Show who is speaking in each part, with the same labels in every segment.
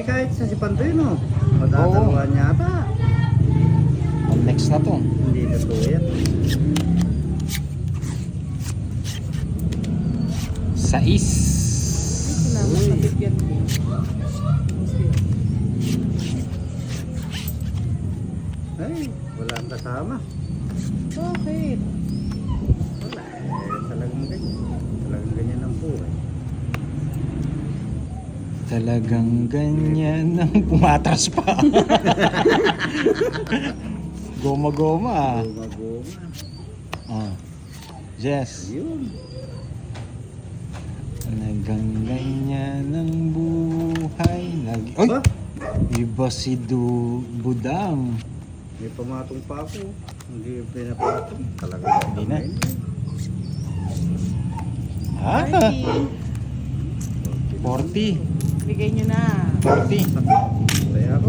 Speaker 1: kahit sa si Pantoy, no? Madadalawan yata.
Speaker 2: Ang next na to.
Speaker 1: Hindi totoo yan.
Speaker 2: Sais.
Speaker 3: Sinama sa bigyan ko.
Speaker 1: Ay, wala ang kasama.
Speaker 3: Bakit?
Speaker 1: Wala. Talagang ganyan. Talagang ganyan ang buhay.
Speaker 2: Talagang ganyan ang pumatras pa. Goma-goma.
Speaker 1: Guma-guma.
Speaker 2: Ah. Jess.
Speaker 1: Yun.
Speaker 2: Talagang ganyan ang buhay. Oy!
Speaker 1: Ba?
Speaker 2: Iba si Budang.
Speaker 1: May pamatong pa ako. Hindi pinapatong. Talagang
Speaker 2: Hindi na.
Speaker 1: ganyan.
Speaker 2: Ah,
Speaker 3: 40.
Speaker 2: 40.
Speaker 3: Bigay nyo na.
Speaker 2: 40.
Speaker 1: Kaya ako.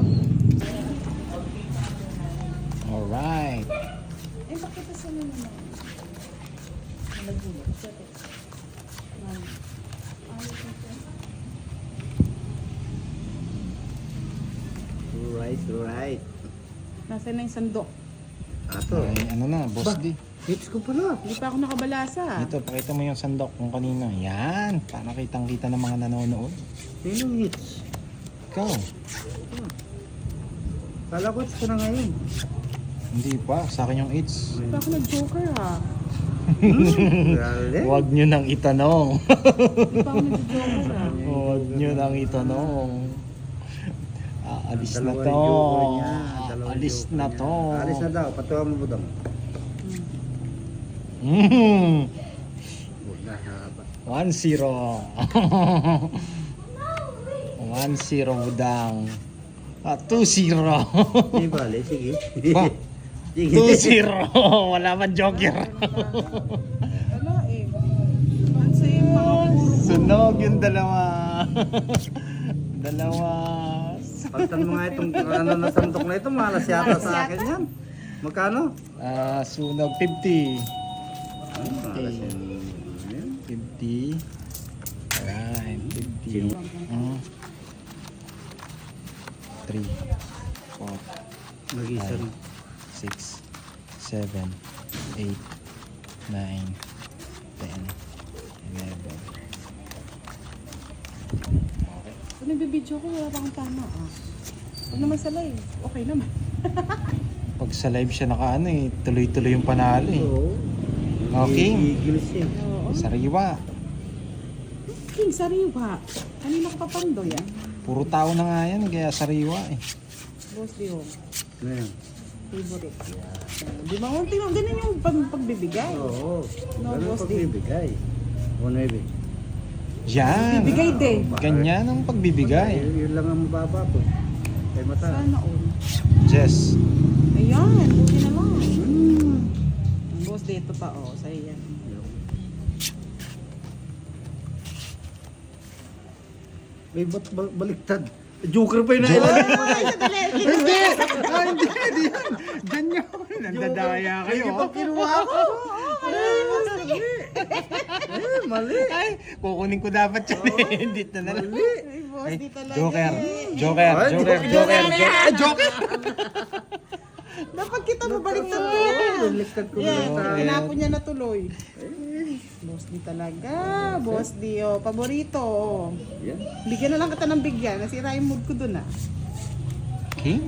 Speaker 2: Alright.
Speaker 3: Eh, bakit sa mga naman? Nalagulat. Siyempre.
Speaker 1: Right, right.
Speaker 3: Nasaan na yung sandok?
Speaker 1: Ato.
Speaker 2: Ay, ano na, boss
Speaker 1: Ba?
Speaker 2: D.
Speaker 1: Hits ko pala.
Speaker 3: Hindi pa ako nakabalasa.
Speaker 2: Dito, pakita mo yung sandok kung kanina. Yan, para kitang-kita ng mga nanonood.
Speaker 1: Sinong hits?
Speaker 2: Ikaw,
Speaker 1: Kala ko hits ko na ngayon.
Speaker 2: hindi pa. Sa akin yung it's.
Speaker 3: Hindi pa ako nag-joker ha.
Speaker 1: Grabe.
Speaker 2: Huwag nyo nang itanong.
Speaker 3: Hindi pa ako nag-joker ha.
Speaker 2: Huwag nyo nang itanong. Aalis na
Speaker 1: Dalawang
Speaker 2: to.
Speaker 1: joker niya. Dalawang
Speaker 2: Alis
Speaker 1: joker
Speaker 2: na
Speaker 1: niya.
Speaker 2: to.
Speaker 1: Alis na daw. Patuwa mo budang.
Speaker 2: Mm.
Speaker 1: Huwag na haba.
Speaker 2: 1-0. 1-0 budang. 2-0.
Speaker 1: Hindi bale, sige.
Speaker 2: Ba?
Speaker 1: Sige.
Speaker 2: 2-0. Wala man joker.
Speaker 3: Wala eh. Ano sa yung mga puro?
Speaker 2: Sunog yung dalawa. Dalawa.
Speaker 1: Pagtan mo nga itong ano na sandok na ito, malas yata sa akin yan. Magkano?
Speaker 2: Sunog 50.
Speaker 1: Malas yan. Ayan.
Speaker 2: 50. Alright, 50. 3, 4,
Speaker 1: Mag-isa rin.
Speaker 2: 6, 7, 8, 9, 10, 11.
Speaker 3: Kung nagbibidyo ko, wala pa akong tama ah. Huwag naman sa live. Okay naman.
Speaker 2: Pag sa live siya nakaano eh, tuloy-tuloy yung panalo eh.
Speaker 1: Oo.
Speaker 2: Okay.
Speaker 1: Gigil siya.
Speaker 3: Oo.
Speaker 2: Sariwa.
Speaker 3: King, sariwa. Kanina ko papandoy ah.
Speaker 2: Puro tao na nga yan, kaya sariwa eh.
Speaker 3: Boss Dio.
Speaker 1: Ano yan?
Speaker 3: Favorite. Di ba? Ganun yung pagbibigay.
Speaker 1: Oo.
Speaker 3: No,
Speaker 1: Ganun
Speaker 3: boss,
Speaker 1: pagbibigay. O 9.
Speaker 2: Yan.
Speaker 3: Bibigay din.
Speaker 2: Ganyan ang pagbibigay.
Speaker 1: Yun lang ang mababa po. Kay mata.
Speaker 3: Sana all.
Speaker 2: Jess.
Speaker 3: Ayan, buti na lang.
Speaker 1: Hmm.
Speaker 3: Ang boss dito pa oh, sa'yo yan.
Speaker 1: May ba't baliktad? Joker pa yun na ilalim mo na.
Speaker 2: Hindi! Hindi yan! Ganyan! Nandadaya kayo.
Speaker 1: Hindi pa kinuha ko. Mali.
Speaker 2: Ay, kukunin ko dapat yan eh. Hindi na lang.
Speaker 1: Mali.
Speaker 3: Ay, boss,
Speaker 2: Ay,
Speaker 3: di talaga.
Speaker 2: Joker.
Speaker 3: eh.
Speaker 2: Joker.
Speaker 1: Ay,
Speaker 2: Joker.
Speaker 1: Joker.
Speaker 2: Joker. Ay, Joker!
Speaker 3: Dapat kita mo baliktad ko
Speaker 1: Oo,
Speaker 3: yan.
Speaker 1: baliktad ko
Speaker 3: Yan,
Speaker 1: na.
Speaker 3: tinapon niya na tuloy. Boss di talaga. Boss di oh, paborito. Oh.
Speaker 1: Yan.
Speaker 3: Bigyan na lang kita ng bigyan. Nasira yung mood ko dun ah.
Speaker 2: King?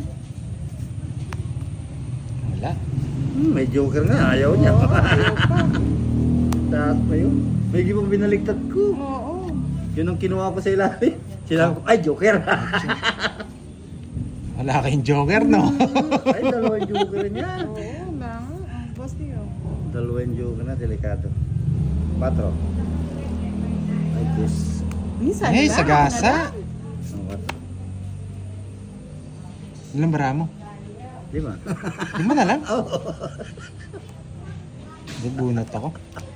Speaker 2: Wala.
Speaker 1: May joker nga. Ayaw niya.
Speaker 3: Oo, ayaw pa.
Speaker 1: Taas pa yun. May gibang binaliktad ko.
Speaker 3: Oo.
Speaker 1: Yun ang kinuha ko sa ilalim. Sinabi ko, ay, joker.
Speaker 2: Wala kayong Joker, no?
Speaker 1: Ay, dalawang joker niya.
Speaker 3: Oo, na. Ang boss di oh.
Speaker 1: Dalawang joker na, delikado. 4. Ay, Diyos.
Speaker 3: Minsan
Speaker 2: Hey,
Speaker 3: lang,
Speaker 2: sagasa.
Speaker 1: Ang 4.
Speaker 2: Ilang bara mo?
Speaker 1: 5.
Speaker 2: 5 na lang? Nabunot ako.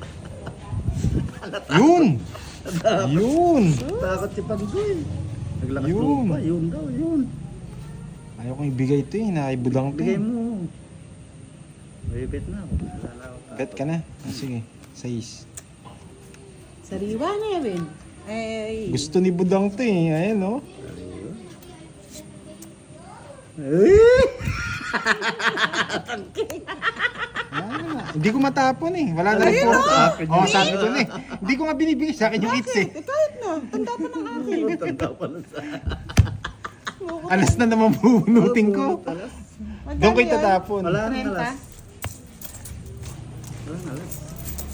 Speaker 2: Yun! Yun!
Speaker 1: Takot si Pandoy. Naglakas
Speaker 2: Yun.
Speaker 1: loob pa. Yun daw, yun.
Speaker 2: Ayaw kong ibigay ito eh. Nakibudang to.
Speaker 1: Bigay mo. May bet na ako.
Speaker 2: Bet ka na. Sige. 6.
Speaker 3: Sariwa na yun. Ay.
Speaker 2: Gusto ni Budang to eh. Ayan oh.
Speaker 1: Eh!
Speaker 2: Hindi ko matapon eh. Wala na rin po. Oo, sabi ko na eh. Hindi ko nga binibigay sa akin yung eats eh.
Speaker 3: Eh, kahit na. Tanda pa ng akin.
Speaker 1: Tanda pa na sa...
Speaker 2: Alas na naman bubunutin ko.
Speaker 3: Magkano
Speaker 2: Doon ko
Speaker 3: yan?
Speaker 2: itatapon.
Speaker 1: Wala nang
Speaker 3: 30?
Speaker 1: alas. Wala nang alas.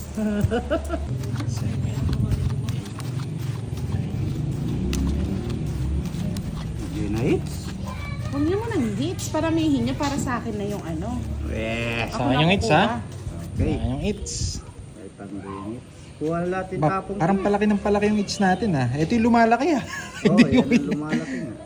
Speaker 2: 7.
Speaker 1: Hindi na hits.
Speaker 3: Huwag niyo mo ng hits. Paramihin niya para sa akin na yung ano.
Speaker 1: Eh.
Speaker 2: Sa akin yung hits ha?
Speaker 1: Okay.
Speaker 2: Sa akin yung hits.
Speaker 1: Ay, pang-ring hits. Kuha na natin
Speaker 2: Ba,
Speaker 1: tapong.
Speaker 2: parang palaki ng palaki yung hits natin ha. Ito yung lumalaki ha.
Speaker 1: Oo,
Speaker 2: Hindi
Speaker 1: yan
Speaker 2: yung
Speaker 1: ang lumalaki nga.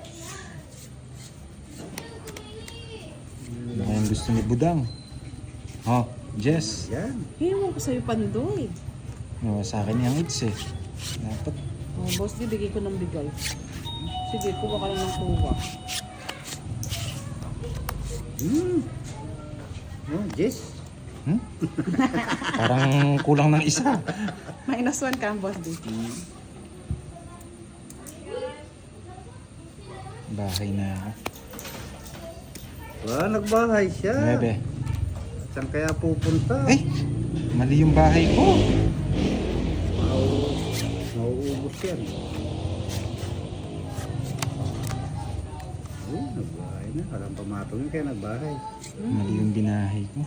Speaker 2: Baka yung gusto ni Budang. Oh, Jess.
Speaker 1: Yan.
Speaker 3: Hiwan ko sa'yo pandoy.
Speaker 2: No, sa akin yung hits eh. Dapat.
Speaker 3: Oh, boss, di bigay ko ng bigay. Sige, kuha ka lang ng kuha.
Speaker 1: Oh, Jess.
Speaker 2: Hmm? Parang kulang ng isa.
Speaker 3: -1 ka, boss, di.
Speaker 2: Bahay na ako.
Speaker 1: Nagbahay siya.
Speaker 2: 9.
Speaker 1: Saan kaya pupunta?
Speaker 2: Ay! Mali yung bahay ko.
Speaker 1: Mauubos yan. Nagbahay na. Alam pamatong yun kaya nagbahay.
Speaker 2: Mali yung binahay ko.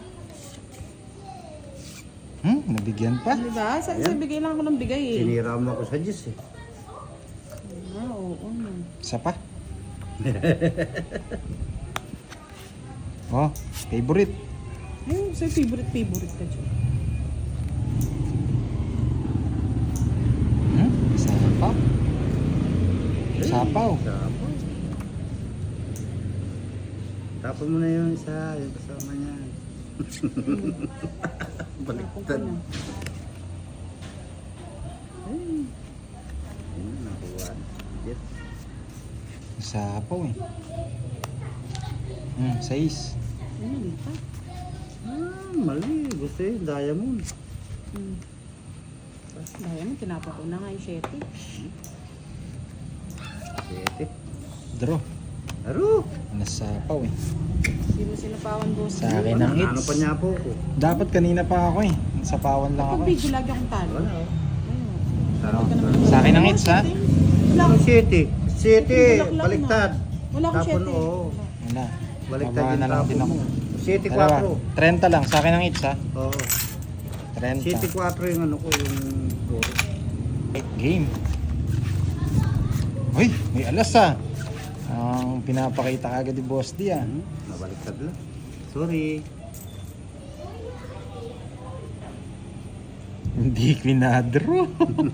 Speaker 2: Nabigyan pa.
Speaker 3: Diba? Sabi
Speaker 1: Ayan.
Speaker 3: bigay lang ako ng bigay eh.
Speaker 1: Sinira mo ako sa Diyos eh.
Speaker 3: Oo.
Speaker 2: Isa pa. Oh, favorite.
Speaker 3: Ayun, sa'yo favorite ka dyan.
Speaker 2: Sapaw. Sapaw.
Speaker 1: Sapaw. Tapon mo na yung isa. Yung kasama niya. Baliktad.
Speaker 3: Ako na.
Speaker 1: Ayun, nakuha. Yes.
Speaker 2: Sapaw eh. 6.
Speaker 3: Ayun, pa.
Speaker 1: Mali. Gusto yun. Diamond.
Speaker 3: Daya mo, tinapa ko na nga yung 7.
Speaker 1: 7.
Speaker 2: Draw.
Speaker 1: Aro.
Speaker 2: Nasapaw eh.
Speaker 3: Hindi mo sinapawan, boss.
Speaker 2: Sa akin ang
Speaker 1: Ano
Speaker 2: hits.
Speaker 1: pa niya po ko?
Speaker 2: Dapat kanina pa ako eh. Sapawan lang ako
Speaker 3: Pag
Speaker 2: eh.
Speaker 3: video, lagi akong talo.
Speaker 1: Wala. oh.
Speaker 3: Ayun.
Speaker 2: Sa akin ang hits ha.
Speaker 3: Wala
Speaker 1: Ano
Speaker 3: akong
Speaker 1: 7? 7.
Speaker 3: Bulaklak na.
Speaker 1: Baliktad.
Speaker 3: Wala akong
Speaker 1: Tapon,
Speaker 3: 7.
Speaker 1: oo.
Speaker 2: Wala.
Speaker 1: Baliktad
Speaker 2: Baba
Speaker 1: yung
Speaker 2: na lang
Speaker 1: tapon
Speaker 2: din ako.
Speaker 1: mo. 7,
Speaker 2: Dalawa.
Speaker 1: 4.
Speaker 2: 30 lang. Sa akin ang hits ha.
Speaker 1: Oo.
Speaker 2: 30.
Speaker 1: 7, 4 yung ano ko, yung puro.
Speaker 2: Game. Uy, may alas ah. Ang pinapakita kagad ni Boss D ah.
Speaker 1: Nabaliktad lang. Sorry.
Speaker 2: Hindi kinadro.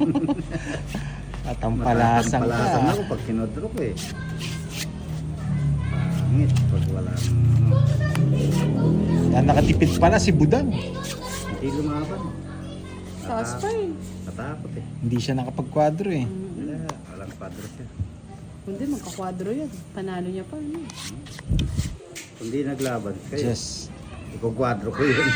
Speaker 2: At ang palasan
Speaker 1: Palasan
Speaker 2: ka.
Speaker 1: ako pag kinodro ko eh. Pangit pag wala ano.
Speaker 2: Yan nakatipid pala si Budang.
Speaker 1: Hindi lumaban.
Speaker 3: Taas pa eh.
Speaker 1: Natakot eh.
Speaker 2: Hindi siya nakapag-quadro eh.
Speaker 1: Wala. Walang padre siya.
Speaker 3: Hindi, magkakwadro yan. Panalo niya pa. Ano?
Speaker 1: Kundi naglaban kayo.
Speaker 2: Yes.
Speaker 1: Ikogwadro ko yun.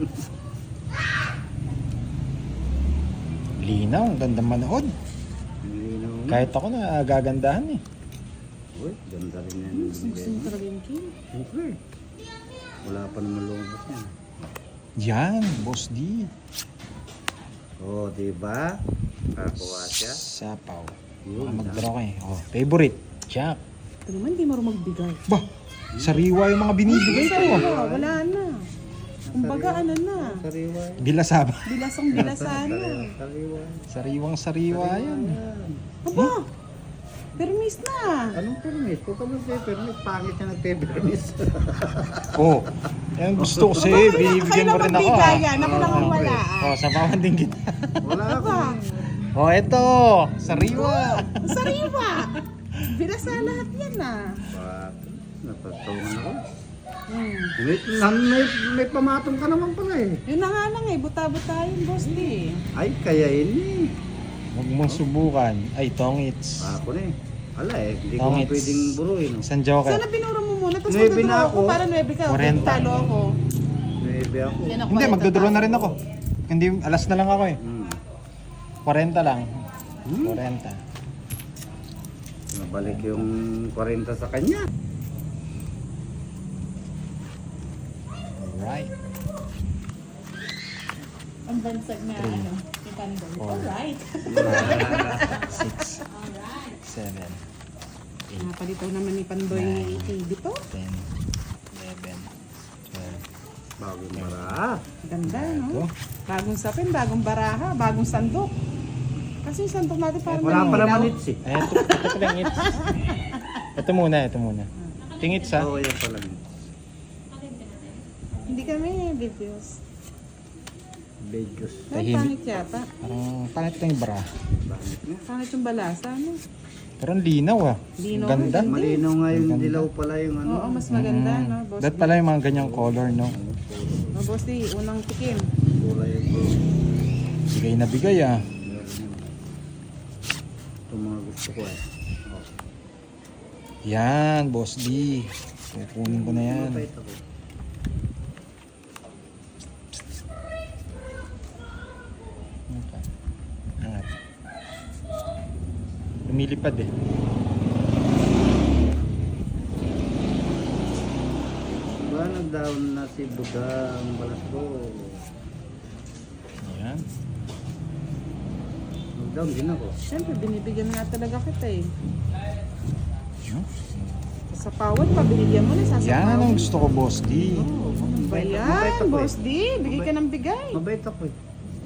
Speaker 2: Linaw, ang ganda manood.
Speaker 1: Linaw mo.
Speaker 2: Kahit ako na gagandahan eh.
Speaker 1: Uy, ganda rin yan.
Speaker 3: Gusto mo talaga yung king.
Speaker 1: Siyempre. Wala pa naman lumabas yan.
Speaker 2: Yan, Boss D.
Speaker 1: Oo, diba? Kakuha siya.
Speaker 2: Sapaw.
Speaker 1: Yun,
Speaker 2: Mag-draw ka eh. Oh, favorite. Jack.
Speaker 3: Ito naman, hindi marunong magbigay.
Speaker 2: Bah, sariwa yung mga binibigay ko.
Speaker 3: Wala na. Kumbaga, ano na.
Speaker 1: Sariwa.
Speaker 2: Bilasaba.
Speaker 3: Bilasang bilasana.
Speaker 1: Sariwa.
Speaker 2: Sariwang sariwa yan.
Speaker 3: Aba! Permis na.
Speaker 1: Anong permis? Kung ka mag-permis, pangit na nagpe-permis.
Speaker 2: Oh, yan gusto ko sa'yo. Binibigyan mo rin ako ah.
Speaker 3: magbigay yan. Ako lang ang wala.
Speaker 2: Oh, sabawan din kita.
Speaker 1: Wala ako.
Speaker 2: Oh, eto. Sariwa.
Speaker 3: Sariwa! Bilasa lahat yan ah.
Speaker 1: Bakit? Napatungan ako.
Speaker 3: Hmm.
Speaker 1: May pamatong ka naman pala eh.
Speaker 3: Yun na nga lang eh. Buta-buta yun, boss di.
Speaker 1: Ay, kaya ini.
Speaker 2: Huwag mong subukan. Ay, tongits.
Speaker 1: Ako na eh. Ala eh, hindi ko
Speaker 2: Tongits.
Speaker 1: nga pwedeng buruin. No?
Speaker 2: Isang joker.
Speaker 3: Sana binuro mo muna. Tapos
Speaker 1: Nuebe
Speaker 3: magdodro
Speaker 1: na
Speaker 3: ako.
Speaker 1: ako.
Speaker 3: Para 9 ka.
Speaker 2: 40.
Speaker 3: Talo ako.
Speaker 1: Maybe ako.
Speaker 3: Yan ako,
Speaker 2: Hindi,
Speaker 3: 40
Speaker 2: magdodraw na
Speaker 3: talo.
Speaker 2: rin ako. Hindi, alas na lang ako eh. 40 lang.
Speaker 1: Hmm.
Speaker 2: 40.
Speaker 1: Nabalik yung 40 sa kanya.
Speaker 2: Alright.
Speaker 3: Ang bansag na ano, ni Pandoy. Alright.
Speaker 2: 6, 7,
Speaker 3: Napalitaw naman ni Pandoy TV to.
Speaker 2: 10, 11, 12.
Speaker 1: Bagong mara.
Speaker 3: Ganda, no?
Speaker 2: Ito.
Speaker 3: Bagong sapin, bagong baraha, bagong sandok. Kasi yung sandok natin parang
Speaker 1: Wala pa
Speaker 3: nalilaw.
Speaker 1: naman its eh.
Speaker 2: Ay, ito pala yung its. Ito muna. Tingit sa.
Speaker 1: Oo, yan pala.
Speaker 3: Hindi kami videos.
Speaker 1: Beijos.
Speaker 3: Ay,
Speaker 2: Tahimik.
Speaker 3: pangit yata.
Speaker 2: Parang pangit ito yung bra.
Speaker 1: Bakit nga?
Speaker 3: Pangit yung balasa, no?
Speaker 2: Pero ang linaw ah.
Speaker 3: Linaw,
Speaker 2: Ang ganda.
Speaker 3: ganda.
Speaker 1: Malinaw nga yung
Speaker 2: Ganda.
Speaker 1: dilaw pala yung ano.
Speaker 3: Oo, mas maganda, no? Boss
Speaker 2: That
Speaker 3: D.
Speaker 2: pala yung mga ganyang color, no?
Speaker 3: Oh, Boss D, unang tikim.
Speaker 1: Kulay yung
Speaker 2: Bigay na bigay ah.
Speaker 1: Ito mga gusto ko eh. Oh.
Speaker 2: Yan, Boss D. Kukunin ko na yan.
Speaker 1: Mabait ako.
Speaker 2: Okay. Angat. Lumilipad eh.
Speaker 1: Ba, nag-down na si Buddha ang balas ko.
Speaker 2: Yan.
Speaker 1: Nag-down din ako.
Speaker 3: Siyempre, binibigyan nga talaga kita eh.
Speaker 2: Yan.
Speaker 3: Sa pawad pa, binigyan mo na sa
Speaker 2: Yan ang gusto ko, Boss D.
Speaker 3: Oh, ano ba
Speaker 1: Mabait
Speaker 3: yan,
Speaker 1: ako
Speaker 3: Boss
Speaker 1: eh.
Speaker 3: D? Bigay ka ng bigay.
Speaker 1: Mabait ako eh.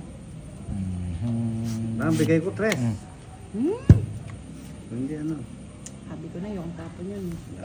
Speaker 2: Mhm.
Speaker 1: Ang bigay ko 3.
Speaker 2: Mm.
Speaker 3: Hmm?
Speaker 1: Hindi ano.
Speaker 3: Sabi ko na yung tapon yun.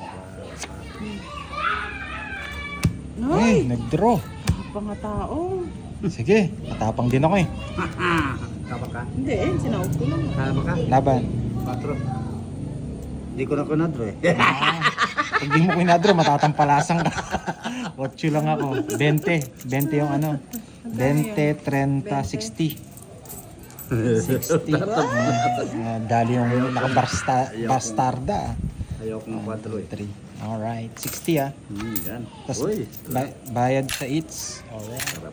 Speaker 2: Ay,
Speaker 3: Ay,
Speaker 2: nag-draw.
Speaker 3: kapang nga tao.
Speaker 2: Sige, matapang din ako eh.
Speaker 1: Kaba ka?
Speaker 3: Hindi eh, sinaot ko lang.
Speaker 1: Kaba ka?
Speaker 2: Laban.
Speaker 1: 4. Hindi ko na kunadro eh.
Speaker 2: Pag di mo kinadro, matatampalasan ka. 8 lang ako. 20. 20 yung ano. 20, 30, 60. 60. Dali yung naka-bastarda.
Speaker 1: Ayaw kong 4 eh.
Speaker 2: 3. Alright. 60 ah.
Speaker 1: Yan.
Speaker 2: Tapos
Speaker 1: Uy.
Speaker 2: bayad sa eats. Alright.
Speaker 1: Sarap